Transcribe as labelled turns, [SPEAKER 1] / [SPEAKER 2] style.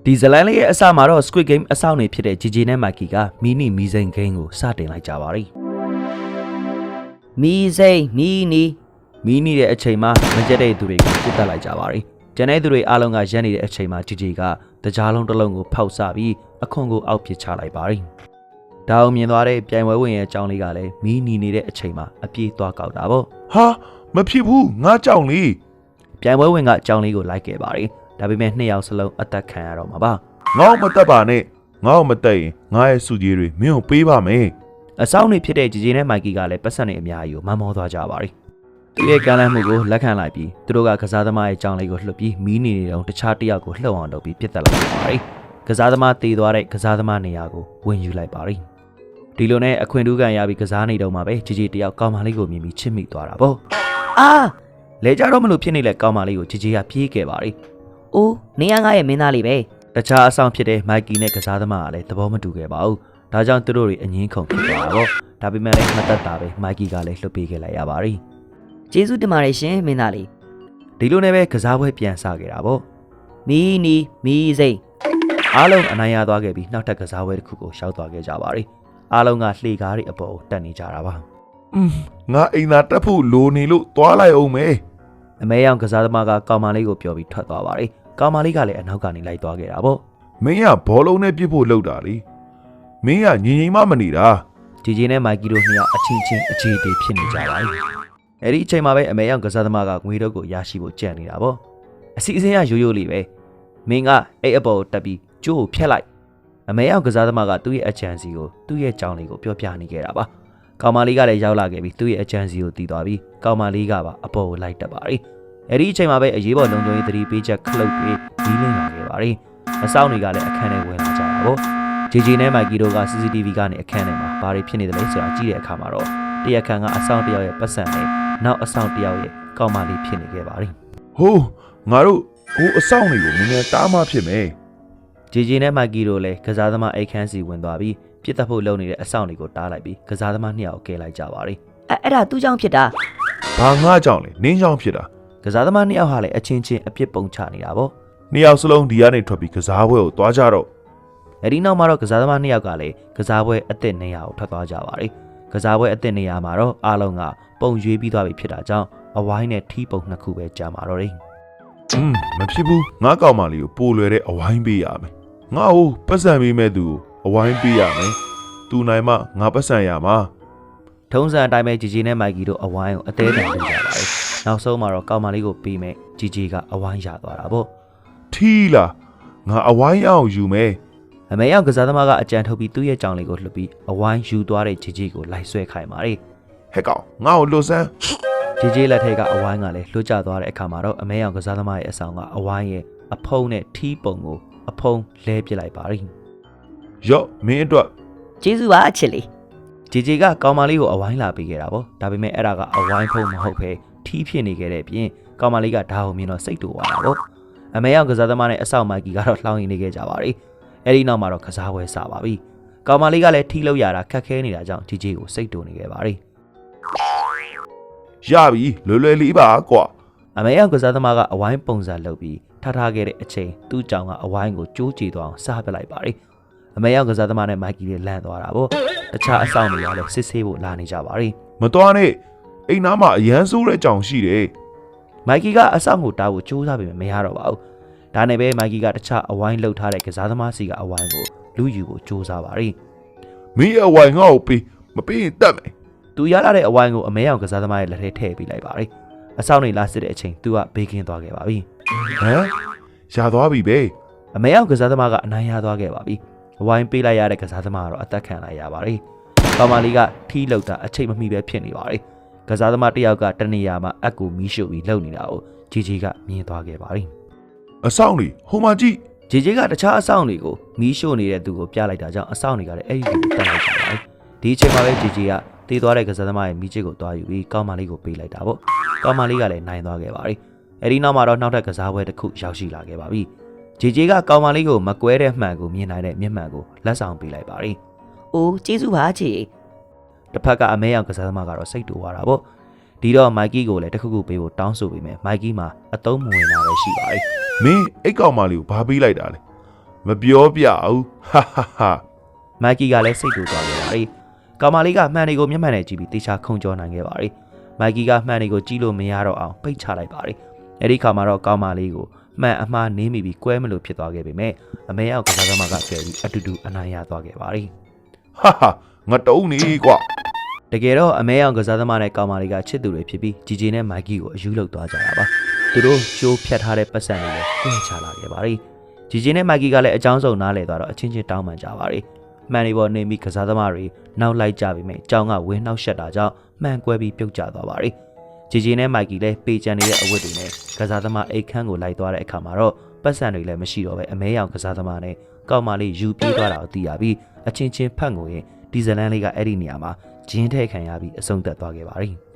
[SPEAKER 1] ဒီဇလန်လေးရဲ့အစမှာတော့ Squid Game အဆောင်နေဖြစ်တဲ့ JJ နဲ့ Mikey ကမီနီမီစိန် game ကိုစတင်လိုက်ကြပါပြီမီစိန်မီနီတဲ့အချိန်မှာမကြက်တဲ့သူတွေကိုပြတ်တက်လိုက်ကြပါပြီကျန်တဲ့သူတွေအားလုံးကရက်နေတဲ့အချိန်မှာ JJ ကတကြားလုံးတစ်လုံးကိုဖောက်ဆပြီးအခွန်ကိုအောက်ပစ်ချလိုက်ပါပြီဒါအောင်မြင်သွားတဲ့ပြိုင်ပွဲဝင်ရဲ့အကြောင်းလေးကလည်းမီနီနေတဲ့အချိန်မှာအပြေးသွားကောက်တာပေါ့
[SPEAKER 2] ဟာမဖြစ်ဘူးငါကြောင်လေး
[SPEAKER 1] ပြိုင်ပွဲဝင်ကအကြောင်းလေးကိုလိုက်ခဲ့ပါပြီဒါပေမဲ့နှစ်ယောက်စလုံးအသက်ခံရတော့မှာပါ
[SPEAKER 2] ငါ့မတက်ပါနဲ့ငါ့မတက်ရင်ငါရဲ့စုကြီးတွေမင်းကိုပေးပါမယ်
[SPEAKER 1] အဆောင်နေဖြစ်တဲ့ဂျီဂျီနဲ့မိုက်ကီကလည်းပတ်စံနေအများကြီးကိုမမောသွားကြပါပြီသူရဲ့ကမ်းလှမ်းမှုကိုလက်ခံလိုက်ပြီးသူတို့ကကစားသမားရဲ့ကြောင်းလေးကိုလှုပ်ပြီးမီးနေနေတော့တခြားတစ်ယောက်ကိုလှုပ်အောင်လုပ်ပြီးပြစ်တက်လိုက်ပါပြီကစားသမားတေသွားတဲ့ကစားသမားနေရာကိုဝင်ယူလိုက်ပါပြီဒီလိုနဲ့အခွင့်ထူးခံရပြီးကစားနေတော့မှပဲဂျီဂျီတယောက်ကောင်မလေးကိုမြင်ပြီးချစ်မိသွားတာပေါ့အာလဲကြတော့မလို့ဖြစ်နေလဲကောင်မလေးကိုဂျီဂျီကပြေးခဲ့ပါပြီ
[SPEAKER 3] အိုးနေရငါရဲ့မင်းသားလေးပဲ
[SPEAKER 1] တခြားအဆောင်ဖြစ်တဲ့မိုက်ကီနဲ့ကစားသမားကလည်းသဘောမတူခဲ့ပါဘူးဒါကြောင့်သူတို့တွေအငင်းခုန်ဖြစ်သွားတာပေါ့ဒါပေမဲ့လည်းမတက်တာပဲမိုက်ကီကလည်းလှုပ်ပေးခဲ့လိုက်ရပါပြီ
[SPEAKER 3] ကျေးဇူးတင်ပါတယ်ရှင်မင်းသားလေး
[SPEAKER 1] ဒီလိုနဲ့ပဲကစားပွဲပြန်စခဲ့တာပေါ့
[SPEAKER 3] မီနီမီစိန်
[SPEAKER 1] အားလုံးအနိုင်ရသွားခဲ့ပြီးနောက်ထပ်ကစားပွဲတစ်ခုကိုရှောက်သွားခဲ့ကြပါပြီအားလုံးကလှေကားတွေအပေါ်ကိုတက်နေကြတာပါ
[SPEAKER 2] ငါအိမ်သာတက်ဖို့လိုနေလို့သွားလိုက်အောင်မယ်
[SPEAKER 1] အမဲရောင်ကစားသမားကကောင်မလေးကိုပြောပြီးထွက်သွားပါပြီကောင်မလေးကလည်းအနောက်ကနေလိုက်သွားခဲ့တာပေါ့
[SPEAKER 2] မင်းကဘောလုံးနဲ့ပြစ်ဖို့လုပ်တာလေမင်းကငြိမ်မနေတာ
[SPEAKER 1] ဂျီဂျီနဲ့မိုက်ကီတို့နှစ်ယောက်အချင်းချင်းအခြေအတေးဖြစ်နေကြပါပြီအဲ့ဒီအချိန်မှာပဲအမဲရောင်ကစားသမားကငွေတော့ကိုရရှိဖို့ကြံ့နေတာပေါ့အစီအစဉ်ကရိုးရိုးလေးပဲမင်းကအဲ့အပေါ်ကိုတက်ပြီးကျိုးကိုဖျက်လိုက်အမဲရောင်ကစားသမားကသူ့ရဲ့အချမ်းစီကိုသူ့ရဲ့ကြောင်လေးကိုပြောပြနေခဲ့တာပါကောင်မလေးကလည်းရောက်လာခဲ့ပြီးသူ့ရဲ့အချမ်းစီကိုတီးသွားပြီးကောင်မလေးကပါအပေါ်ကိုလိုက်တက်ပါပြီအဲ့ဒီအချိန်မှာပဲအရေးပေါ်လုံခြုံရေးသတိပေးချက်ခလုတ်ပြီးဒီးလင်းလာခဲ့ပါပြီအဆောင်တွေကလည်းအခန်းထဲဝင်လာကြတာပေါ့ဂျီဂျီနဲ့မိုက်ကီတို့က CCTV ကနေအခန်းထဲမှာဘာတွေဖြစ်နေတယ်လဲဆိုတာကြည့်တဲ့အခါမှာတော့တရက်ခန့်ကအဆောင်တယောက်ရဲ့ပတ်စံနဲ့နောက်အဆောင်တယောက်ရဲ့ကောင်မလေးဖြစ်နေခဲ့ပါပြီ
[SPEAKER 2] ဟိုးငါတို့ဟိုအဆောင်တွေကိုနည်းနည်းတားမှဖြစ်မယ်
[SPEAKER 1] ဂျီဂျီနဲ့မိုက်ကီတို့လည်းကစားသမားအိတ်ခန်းစီဝင်သွားပြီးပြစ်တက်ဖို့လုပ်နေတဲ့အဆောင်တွေကိုတားလိုက်ပြီးကစားသမားနှစ်ယောက်ကဲလိုက်ကြပါပြီ
[SPEAKER 3] အဲ့ဒါသူ့ကြောင့်ဖြစ်တာ
[SPEAKER 2] ဘာငါကြောင့်လဲနင်းကြောင့်ဖြစ်တာ
[SPEAKER 1] ကစားသမားနှစ်ယောက်ဟာလည်းအချင်းချင်းအပြစ်ပုံချနေတာပေါ့
[SPEAKER 2] နှစ်ယောက်စလုံးဒီကနေထွက်ပြီးကစားပွဲကိုသွားကြတော့
[SPEAKER 1] အဲဒီနောက်မှာတော့ကစားသမားနှစ်ယောက်ကလည်းကစားပွဲအသစ်နေရာကိုထွက်သွားကြပါပြီကစားပွဲအသစ်နေရာမှာတော့အားလုံးကပုံရွေးပြီးသွားပြီဖြစ်တာကြောင့်အဝိုင်းနဲ့ထီးပုံနှစ်ခုပဲကြာမှာတော့တယ်
[SPEAKER 2] မဖြစ်ဘူးငါကောက်မလေးကိုပိုလွယ်တဲ့အဝိုင်းပေးရမယ်ငါ့ကိုပတ်စံပေးမဲ့သူကိုအဝိုင်းပေးရမယ်သူနိုင်မှငါပတ်စံရမှာ
[SPEAKER 1] ထုံးစံအတိုင်းပဲဂျီဂျီနဲ့မိုက်ကီတို့အဝိုင်းကိုအသေးအံပေးကြပါပြီနောက်ဆုံးမှာတော့ကောင်မလေးကိုပေးမယ်ဂျီဂျီကအဝိုင်းရသွားတာပေါ့
[SPEAKER 2] ထီးလားငါအဝိုင်းအောင်ယူမယ်
[SPEAKER 1] အမေရောက်ကစားသမားကအကြံထုတ်ပြီးသူ့ရဲ့ကြောင်လေးကိုလှုပ်ပြီးအဝိုင်းယူသွားတဲ့ဂျီဂျီကိုလိုက်ဆွဲခိုင်းပါလေ
[SPEAKER 2] ဟဲ့ကောင်ငါ့ကိုလွတ်စမ်း
[SPEAKER 1] ဂျီဂျီလက်ထက်ကအဝိုင်းကလည်းလွတ်ကျသွားတဲ့အခါမှာတော့အမေရောက်ကစားသမားရဲ့အဆောင်ကအဝိုင်းရဲ့အဖုံးနဲ့ထီးပုံကိုအဖုံးလဲပစ်လိုက်ပါလိ
[SPEAKER 2] ရော့မင်းအတွက်
[SPEAKER 3] ကျေးဇူးပါအချစ်လေး
[SPEAKER 1] ဂျီဂျီကကောင်မလေးကိုအဝိုင်းလာပေးခဲ့တာပေါ့ဒါပေမဲ့အဲ့ဒါကအဝိုင်းဖုံးမဟုတ်ပဲထီးဖြစ်နေခဲ့တဲ့အပြင်ကောင်မလေးကဓာတ်အောင်မြင်တော့စိတ်တူသွားတာပေါ့အမေရောက်ကစားသမားနဲ့အဆောင်မိုက်ကီကတော့လှောင်ရင်နေခဲ့ကြပါပြီအဲ့ဒီနောက်မှာတော့ကစားပွဲစပါပြီကောင်မလေးကလည်းထီးလို့ရတာခက်ခဲနေတာကြောင့်ဂျီဂျီကိုစိတ်တူနေခဲ့ပါပြီ
[SPEAKER 2] ရပြီလွယ်လွယ်လေးပါကွာ
[SPEAKER 1] အမေရောက်ကစားသမားကအဝိုင်းပုံစံလုပ်ပြီးထားခဲ့တဲ့အချိန်သူ့ကြောင်ကအဝိုင်းကိုကျိုးကြည့်သွားအောင်စားပစ်လိုက်ပါပြီအမေရောက်ကစားသမားနဲ့မိုက်ကီလည်းလန့်သွားတာပေါ့တခြားအဆောင်တွေကလည်းစစ်ဆေးဖို့လာနေကြပါပြီ
[SPEAKER 2] မတော်နဲ့အိမ်သားမှာအရန်ဆိုးတဲ့ကြောင်ရှိတယ်
[SPEAKER 1] မိုက်ကီကအဆောင်ကိုတားဖို့ကြိုးစားပေမဲ့မရတော့ပါဘူးဒါနဲ့ပဲမိုက်ကီကတခြားအဝိုင်းလှုပ်ထားတဲ့ကစားသမားစီကအဝိုင်းကိုလူယူဖို့ကြိုးစားပါပြီ
[SPEAKER 2] မင်းအဝိုင်းငါ့ကိုပေးမပေးရင်တတ်မယ်
[SPEAKER 1] သူရလာတဲ့အဝိုင်းကိုအမဲရောင်ကစားသမားရဲ့လက်ထဲထည့်ပေးလိုက်ပါပြီအဆောင်တွေလာစစ်တဲ့အချိန်သူကဘေးကင်းသွားခဲ့ပါပြီ
[SPEAKER 2] ဟမ်ရသွားပြီပဲ
[SPEAKER 1] အမဲရောင်ကစားသမားကအနိုင်ရသွားခဲ့ပါပြီအဝိုင်းပေးလိုက်ရတဲ့ကစားသမားကတော့အသက်ခံလိုက်ရပါပြီကောင်မလေးကထီးလောက်တာအချိန်မမီပဲဖြစ်နေပါပြီကစားသမားတစ်ယောက်ကတနေရာမှာအက်ကိုမီးရှို့ပြီးလှုပ်နေတာကိုဂျီဂျီကမြင်သွားခဲ့ပါပြီ
[SPEAKER 2] အဆောင်တွေဟိုမှာကြည့်
[SPEAKER 1] ဂျီဂျီကတခြားအဆောင်တွေကိုမီးရှို့နေတဲ့သူကိုပြလိုက်တာကြောင့်အဆောင်တွေကလည်းအဲ့ဒီကိုတက်လိုက်ကြပါပြီဒီအချိန်မှာပဲဂျီဂျီကတေးသွားတဲ့ကစားသမားရဲ့မီးချစ်ကိုတွားယူပြီးကောင်မလေးကိုပေးလိုက်တာပေါ့ကောင်မလေးကလည်းနိုင်သွားခဲ့ပါပြီအဲ့ဒီနောက်မှာတော့နောက်ထပ်ကစားပွဲတစ်ခုရောက်ရှိလာခဲ့ပါပြီဂျီဂျီကကောင်မလေးကိုမကွဲတဲ့မှန်ကိုမြင်နိုင်တဲ့မျက်မှန်ကိုလက်ဆောင်ပေးလိုက်ပါပြီ
[SPEAKER 3] အိုးကျေးဇူးပါချီ
[SPEAKER 1] တစ်ဖက်ကအမဲရောင်ကစားသမားကတော့စိတ်တူသွားတာပေါ့ဒီတော့မိုက်ကီကိုလည်းတစ်ခုခုပေးဖို့တောင်းဆိုပေမဲ့မိုက်ကီမှာအသုံးမဝင်တာပဲရှိပါပြီ
[SPEAKER 2] မင်းအိတ်ကောင်မလေးကိုဘာပေးလိုက်တာလဲမပြောပြဘူးဟာဟာဟာ
[SPEAKER 1] မိုက်ကီကလည်းစိတ်တူသွားခဲ့ပါတယ်ကောင်မလေးကမှန်တွေကိုမျက်မှန်နဲ့ကြည့်ပြီးတေချာခုံကြောနိုင်ခဲ့ပါတယ်မိုက်ကီကမှန်တွေကိုကြည့်လို့မရတော့အောင်ပိတ်ချလိုက်ပါတယ်အဲ့ဒီခါမှာတော့ကောင်မလေးကိုမှန်အမှားနင်းမိပြီးကွဲမလို့ဖြစ်သွားခဲ့ပေမဲ့အမေရောက်ကစားသမားကကယ်ပြီးအတူတူအနိုင်ရသွားခဲ့ပါတယ်
[SPEAKER 2] ဟာဟာငါတုံးနေကွာ
[SPEAKER 1] တကယ်တော့အမဲရောင်ကစားသမားနဲ့ကောင်မလေးကချစ်သူတွေဖြစ်ပြီးဂျီဂျီနဲ့မိုက်ကီကိုအယူလောက်သွားကြတာပါသူတို့ကျိုးဖြတ်ထားတဲ့ပတ်စံတွေလည်းကွင်းချလာခဲ့ပါတယ်ဂျီဂျီနဲ့မိုက်ကီကလည်းအကြောင်းစုံနားလည်သွားတော့အချင်းချင်းတောင်းပန်ကြပါတယ်မှန်တွေပေါ်နေပြီးကစားသမားတွေနောက်လိုက်ကြပြီးမြဲအကြောင်းကဝင်းနှောက်ရှက်တာကြောင့်မှန်ကွဲပြီးပြုတ်ကျသွားပါတယ်ဂျီဂျီနဲ့မိုက်ကီလည်းပေချန်နေတဲ့အဝတ်တွေနဲ့ကစားသမားအိတ်ခမ်းကိုလိုက်သွားတဲ့အခါမှာတော့ပတ်စံတွေလည်းမရှိတော့ပဲအမဲရောင်ကစားသမားနဲ့ကောင်မလေးယူပြေးသွားတာကိုသိရပြီးအချင်းချင်းဖတ်ငိုရင်ဒီဇလန်လေးကအဲ့ဒီနေရာမှာဂျင်းထဲခံရပြီးအဆုံးသတ်သွားခဲ့ပါတယ်